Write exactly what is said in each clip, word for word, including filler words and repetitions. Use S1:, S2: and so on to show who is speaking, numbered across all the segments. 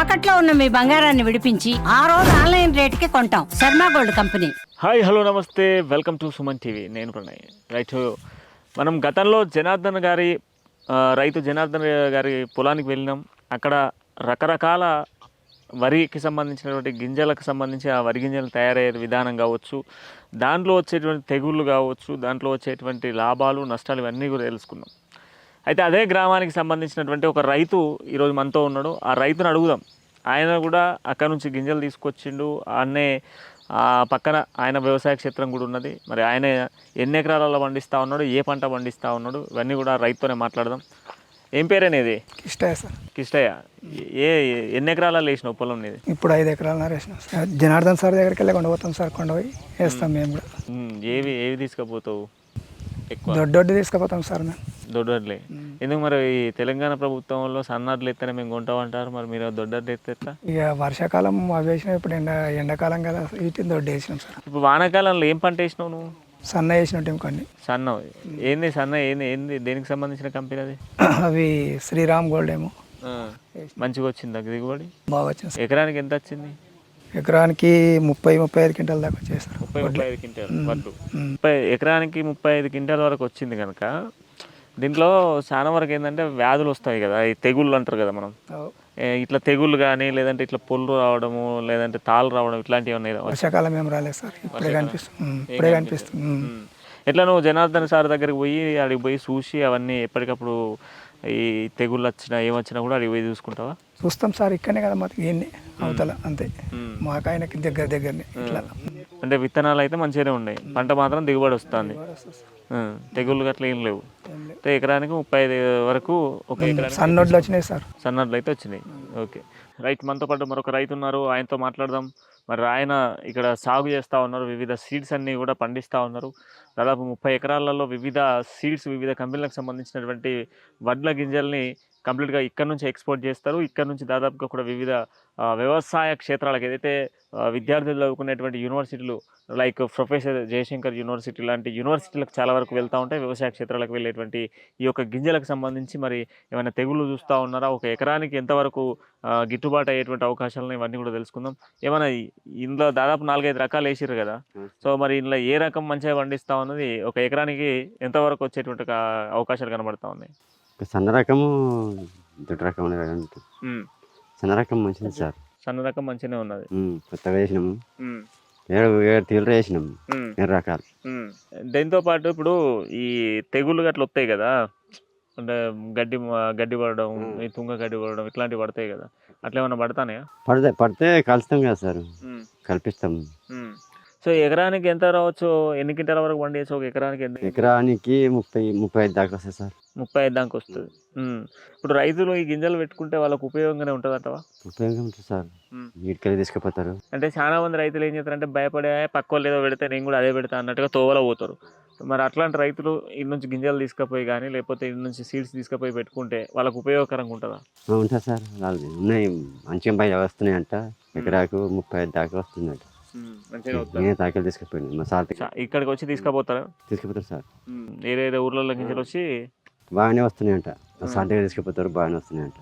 S1: తాకట్లో ఉన్న మీ బంగారాన్ని విడిపించి ఆ రోజు ఆన్లైన్ రేటుకి కొంటాం. Sharma gold company.
S2: Hi hello నమస్తే, వెల్కమ్ టు సుమన్ టీవీ. నేను ప్రణయ్. రైట్, మనం గతంలో జనార్దన్ గారి ఆ, రైతు జనార్దన్ గారి పొలానికి వెళ్ళినాం. అక్కడ రకరకాల వరికి సంబంధించినటువంటి గింజలకు సంబంధించి ఆ వరి గింజలు తయారయ్యే విధానం కావచ్చు, దాంట్లో వచ్చేటువంటి తెగుళ్ళు కావచ్చు, దాంట్లో వచ్చేటువంటి లాభాలు నష్టాలు ఇవన్నీ కూడా తెలుసుకున్నాం. అయితే అదే గ్రామానికి సంబంధించినటువంటి ఒక రైతు ఈరోజు మనతో ఉన్నాడు. ఆ రైతును అడుగుదాం. ఆయన కూడా అక్కడ నుంచి గింజలు తీసుకొచ్చిండు. అన్నే ఆ పక్కన ఆయన వ్యవసాయ క్షేత్రం కూడా ఉన్నది. మరి ఆయన ఎన్ని ఎకరాలలో పండిస్తూ ఉన్నాడు, ఏ పంట పండిస్తూ ఉన్నాడు, ఇవన్నీ కూడా రైతుతోనే మాట్లాడదాం. ఏం పేరేనేది?
S3: కిష్టయ్య సార్.
S2: కిష్టయ్య, ఏ ఎన్ని ఎకరాలలో వేసినావు పొలం నీది?
S3: ఇప్పుడు ఐదు ఎకరాలన్నర వేసినాం సార్. జనార్దన్ సార్ దగ్గరికి వెళ్ళి కొండపోతాం సార్. కొండ పోయి వేస్తాం మేము కూడా.
S2: ఉమ్, ఏవి ఏవి తీసుకుపోతావు ఎక్కువ?
S3: దొడ్డొడ్డు తీసుకుపోతాం సార్ మేము.
S2: దొడ్డడ్లే. ఎందుకు మరి ఈ తెలంగాణ ప్రభుత్వంలో సన్నడ్లు ఎత్తనే మేము కొంటామంటారు, మరి మీరు దొడ్డడ్లు ఎత్తే ఎట్లా?
S3: ఇక వర్షాకాలం అవి వేసినాం. ఇప్పుడు ఎండ ఎండాకాలం కదా, వీటిని దొడ్డు వేసినాం సార్.
S2: ఇప్పుడు వానాకాలంలో ఏం పంట వేసినావు నువ్వు?
S3: సన్న వేసినట్టు కొన్ని.
S2: సన్న ఏంది? సన్న ఏంది ఏంది దేనికి సంబంధించిన కంపెనీ అది?
S3: అవి శ్రీరామ్ గోల్డ్ ఏమో.
S2: మంచిగా వచ్చింది దగ్గర దిగుబడి?
S3: బాగా వచ్చింది సార్.
S2: ఎకరానికి ఎంత వచ్చింది?
S3: ఎకరానికి ముప్పై ముప్పై ఐదు క్వింటాల దాకా వచ్చేసారు.
S2: ముప్పై ముప్పై ఐదు క్వింటాలు వడ్లు. ముప్పై ఎకరానికి ముప్పై ఐదు క్వింటాల వరకు వచ్చింది కనుక దీంట్లో చాలా వరకు ఏంటంటే వ్యాధులు వస్తాయి కదా, ఈ తెగుళ్ళు అంటారు కదా మనం. ఇట్లా తెగుళ్ళు కానీ లేదంటే ఇట్లా పొల్లు రావడము లేదంటే తాళ్ళు రావడం ఇట్లాంటివి ఉన్నాయి.
S3: వర్షాకాలం ఏం రాలేదు సార్. ఇప్పుడే కనిపిస్తుంది. ఇప్పుడే కనిపిస్తుంది.
S2: ఎట్లా నువ్వు జనార్దన్ సార్ దగ్గరికి పోయి అడిగి పోయి చూసి అవన్నీ ఎప్పటికప్పుడు ఈ తెగుళ్ళు వచ్చినా ఏమొచ్చినా కూడా అడిగి పోయి చూసుకుంటావా?
S3: చూస్తాం సార్. ఇక్కడనే కదా మాకు ఏంది అవతల అంతే. మాకు ఆయనకి దగ్గర దగ్గరనే ఇట్లా.
S2: అంటే విత్తనాలు అయితే మంచిగానే ఉన్నాయి, పంట మాత్రం దిగుబడి వస్తుంది, తెగుళ్ళు గట్ల ఏం లేవు. అంటే ఎకరానికి ముప్పై ఐదు వరకు ఒక ఎకరానికి
S3: సన్నొడ్లు వచ్చినాయి సార్.
S2: సన్నడ్లు అయితే వచ్చినాయి. ఓకే రైట్, మనతో పాటు మరొక రైతు ఉన్నారు, ఆయనతో మాట్లాడదాం. మరి ఆయన ఇక్కడ సాగు చేస్తూ ఉన్నారు, వివిధ సీడ్స్ అన్నీ కూడా పండిస్తూ ఉన్నారు. దాదాపు ముప్పై ఎకరాలలో వివిధ సీడ్స్ వివిధ కంపెనీలకు సంబంధించినటువంటి వడ్ల గింజల్ని కంప్లీట్గా ఇక్కడ నుంచి ఎక్స్పోర్ట్ చేస్తారు. ఇక్కడ నుంచి దాదాపుగా కూడా వివిధ వ్యవసాయ క్షేత్రాలకు ఏదైతే విద్యార్థులు చదువుకునేటువంటి యూనివర్సిటీలు లైక్ ప్రొఫెసర్ జయశంకర్ యూనివర్సిటీ లాంటి యూనివర్సిటీలకు చాలా వరకు వెళ్తూ ఉంటాయి. వ్యవసాయ క్షేత్రాలకు వెళ్ళేటువంటి ఈ యొక్క గింజలకు సంబంధించి మరి ఏమైనా తెగుళ్ళు చూస్తూ ఉన్నారా, ఒక ఎకరానికి ఎంతవరకు గిట్టుబాటు అయ్యేటువంటి అవకాశాలను ఇవన్నీ కూడా తెలుసుకుందాం. ఏమైనా ఇందులో దాదాపు నాలుగైదు రకాలు వేసిర్రు కదా, సో మరి ఇందులో ఏ రకం మంచిగా పండిస్తూ ఉన్నది, ఒక ఎకరానికి ఎంతవరకు వచ్చేటువంటి అవకాశాలు కనబడతా ఉన్నాయి?
S4: సన్న రకము దొడ్డు రకం సన్న రకం మంచిది సార్.
S2: సన్న రకం మంచిగానే ఉన్నది.
S4: కొత్తగా వేసినాము, ఏడు ఏడు తీవ్ర వేసినాము, ఏడు రకాలు.
S2: దీంతో పాటు ఇప్పుడు ఈ తెగుళ్ళు గట్ల వస్తాయి కదా, అంటే గడ్డి గడ్డి పడడం, ఈ తుంగ గడ్డి పడడం ఇట్లాంటివి పడతాయి కదా, అట్లా ఏమన్నా పడతానయా?
S4: పడితే పడితే కలుస్తాం కదా సార్, కల్పిస్తాం.
S2: సో ఎకరానికి ఎంత రావచ్చు, ఎన్ని క్వింటాల వరకు పండియచ్చు ఒక ఎకరానికి? ఎంత?
S4: ఎకరానికి ముప్పై ముప్పై ఐదు దాకా వస్తుంది సార్.
S2: ముప్పై ఐదు దాకా వస్తుంది. ఇప్పుడు రైతులు ఈ గింజలు పెట్టుకుంటే వాళ్ళకు ఉపయోగంగానే ఉంటుంది అంటవా?
S4: ఉపయోగం ఉంటుంది సార్. వీటికెళ్ళి తీసుకుపోతారు.
S2: అంటే చాలా మంది రైతులు ఏం చేస్తారంటే భయపడే పక్క వాళ్ళు ఏదో పెడితే నేను కూడా అదే పెడతా అన్నట్టుగా తోవలో పోతారు. మరి అట్లాంటి రైతులు ఇటు నుంచి గింజలు తీసుకుపోయి కానీ లేకపోతే ఇటు నుంచి సీడ్స్ తీసుకుపోయి పెట్టుకుంటే వాళ్ళకు ఉపయోగకరంగా ఉంటుందా?
S4: ఉంటుంది సార్. వాళ్ళు ఉన్నాయి మంచిగా బయట వస్తున్నాయి అంట. ఎకరాకు ముప్పై ఐదు దాకా వస్తుందంట. నేను తాకెళ్ళి తీసుకుపోయాను మా సార్.
S2: ఇక్కడికి వచ్చి తీసుకుపోతారా?
S4: తీసుకుపోతారు సార్.
S2: ఏదైతే ఊర్లలో గింజలు వచ్చి
S4: బాగానే వస్తున్నాయంట. మా సార్ దగ్గర తీసుకుపోతారు, బాగానే వస్తున్నాయంట.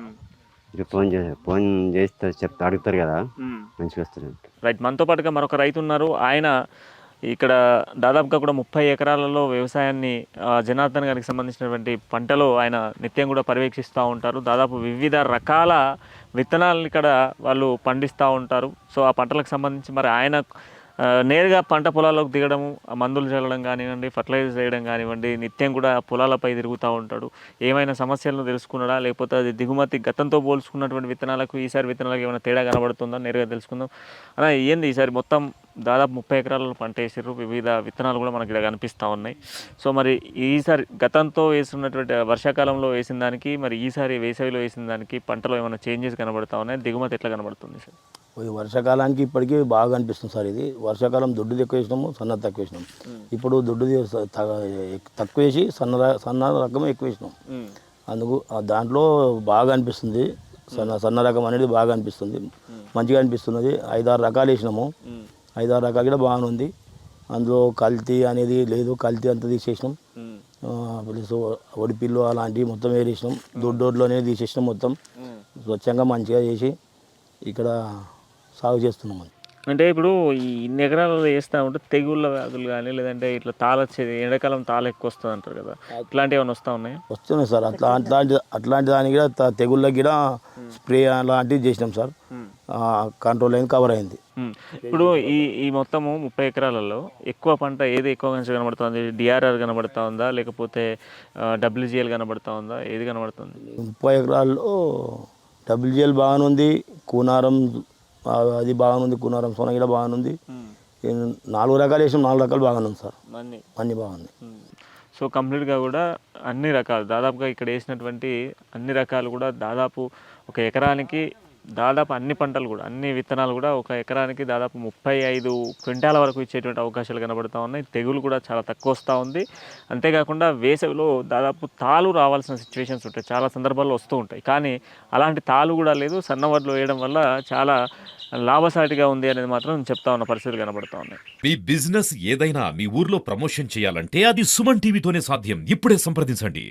S4: ఇక ఫోన్ చేసి ఫోన్ చేస్తే చెప్తా అడుగుతారు కదా, మంచిగా వస్తున్నాయంట.
S2: రైట్, మనతో పాటుగా మరొక రైతు ఉన్నారు. ఆయన ఇక్కడ దాదాపుగా కూడా ముప్పై ఎకరాలలో వ్యవసాయాన్ని జనార్దన్ గారికి సంబంధించినటువంటి పంటలు ఆయన నిత్యం కూడా పర్యవేక్షిస్తూ ఉంటారు. దాదాపు వివిధ రకాల విత్తనాలను ఇక్కడ వాళ్ళు పండిస్తూ ఉంటారు. సో ఆ పంటలకు సంబంధించి మరి ఆయన నేరుగా పంట పొలాల్లోకి దిగడము, మందులు చల్లడం కానివ్వండి, ఫర్టిలైజర్ చేయడం కానివ్వండి, నిత్యం కూడా పొలాలపై తిరుగుతూ ఉంటాడు. ఏమైనా సమస్యలను తెలుసుకున్నాడా, లేకపోతే అది దిగుమతి గతంతో పోల్చుకున్నటువంటి విత్తనాలకు ఈసారి విత్తనాలకు ఏమైనా తేడా కనబడుతుందా, నేరుగా తెలుసుకుందాం. అలా ఏంది ఈసారి మొత్తం దాదాపు ముప్పై ఎకరాలలో పంట వేసారు, వివిధ విత్తనాలు కూడా మనకి ఇక్కడ కనిపిస్తూ ఉన్నాయి. సో మరి ఈసారి గతంతో వేసినటువంటి వర్షాకాలంలో వేసిన దానికి మరి ఈసారి వేసవిలో వేసిన దానికి పంటలో ఏమైనా చేంజెస్ కనబడతా ఉన్నాయి, దిగుమతి ఎట్లా కనబడుతుంది సార్?
S5: వర్షాకాలానికి ఇప్పటికీ బాగా అనిపిస్తుంది సార్. ఇది వర్షాకాలం దొడ్డు ఎక్కువ వేసినాము, సన్న తక్కువ వేసినాం. ఇప్పుడు దొడ్డు తక్కువ వేసి సన్న సన్న రకం ఎక్కువ వేసినాం. అందుకు దాంట్లో బాగా అనిపిస్తుంది. సన్న సన్న రకం అనేది బాగా అనిపిస్తుంది, మంచిగా అనిపిస్తున్నది. ఐదారు రకాలు వేసినాము, ఐదారు రకాలు కూడా బాగానే ఉంది. అందులో కల్తీ అనేది లేదు, కల్తీ అంతా తీసేసినాం. ప్లస్ ఒడిపిల్లు అలాంటివి మొత్తం వేసేసినాం. దొడ్డోడ్లు అనేది తీసేసినాం. మొత్తం స్వచ్ఛంగా మంచిగా చేసి ఇక్కడ సాగు చేస్తున్నాం అది.
S2: అంటే ఇప్పుడు ఈ ఇన్ని ఎకరాలలో వేస్తూ ఉంటే తెగుళ్ళ వ్యాధులు కానీ లేదంటే ఇట్లా తాళొచ్చేది ఎండాకాలం తాళ ఎక్కువ వస్తుంది అంటారు కదా, ఇట్లాంటివి ఏమైనా వస్తూ ఉన్నాయి?
S5: వస్తున్నాయి సార్. అట్లా అట్లాంటి అట్లాంటి దానికి కూడా త- తెగుళ్ళకి కూడా స్ప్రే అలాంటివి చేసినాం సార్. కంట్రోల్ అయింది, కవర్ అయింది.
S2: ఇప్పుడు ఈ ఈ మొత్తము ముప్పై ఎకరాలలో ఎక్కువ పంట ఏది ఎక్కువగా కనబడుతుంది? డిఆర్ఆర్ కనబడుతూ ఉందా లేకపోతే డబ్ల్యూజిఎల్ కనబడుతూ ఉందా, ఏది కనబడుతుంది?
S5: ముప్పై ఎకరాల్లో డబ్ల్యూజిఎల్ బాగానే ఉంది, కూనారం ఆ, అది బాగానే ఉంది, కూనారం సోనగిడ బాగానే ఉంది. ఈ నాలుగు రకాలు వేసినాం, నాలుగు రకాలు బాగానే ఉంది సార్.
S2: అన్నీ
S5: అన్నీ బాగుంది.
S2: సో కంప్లీట్గా కూడా అన్ని రకాలు దాదాపుగా ఇక్కడ వేసినటువంటి అన్ని రకాలు కూడా దాదాపు ఒక ఎకరానికి దాదాపు అన్ని పంటలు కూడా అన్ని విత్తనాలు కూడా ఒక ఎకరానికి దాదాపు ముప్పై ఐదు క్వింటాల వరకు ఇచ్చేటువంటి అవకాశాలు కనబడుతూ ఉన్నాయి. తెగులు కూడా చాలా తక్కువ వస్తూ ఉంది. అంతేకాకుండా వేసవిలో దాదాపు తాలు రావాల్సిన సిచ్యువేషన్స్ ఉంటాయి, చాలా సందర్భాల్లో వస్తూ ఉంటాయి. కానీ అలాంటి తాలు కూడా లేదు. సన్నవడ్లు వేయడం వల్ల చాలా లాభసాటిగా ఉంది అనేది మాత్రం చెప్తా ఉన్న పరిస్థితులు కనబడుతూ ఉన్నాయి.
S6: మీ బిజినెస్ ఏదైనా మీ ఊర్లో ప్రమోషన్ చేయాలంటే అది సుమన్ టీవీతోనే సాధ్యం. ఇప్పుడే సంప్రదించండి.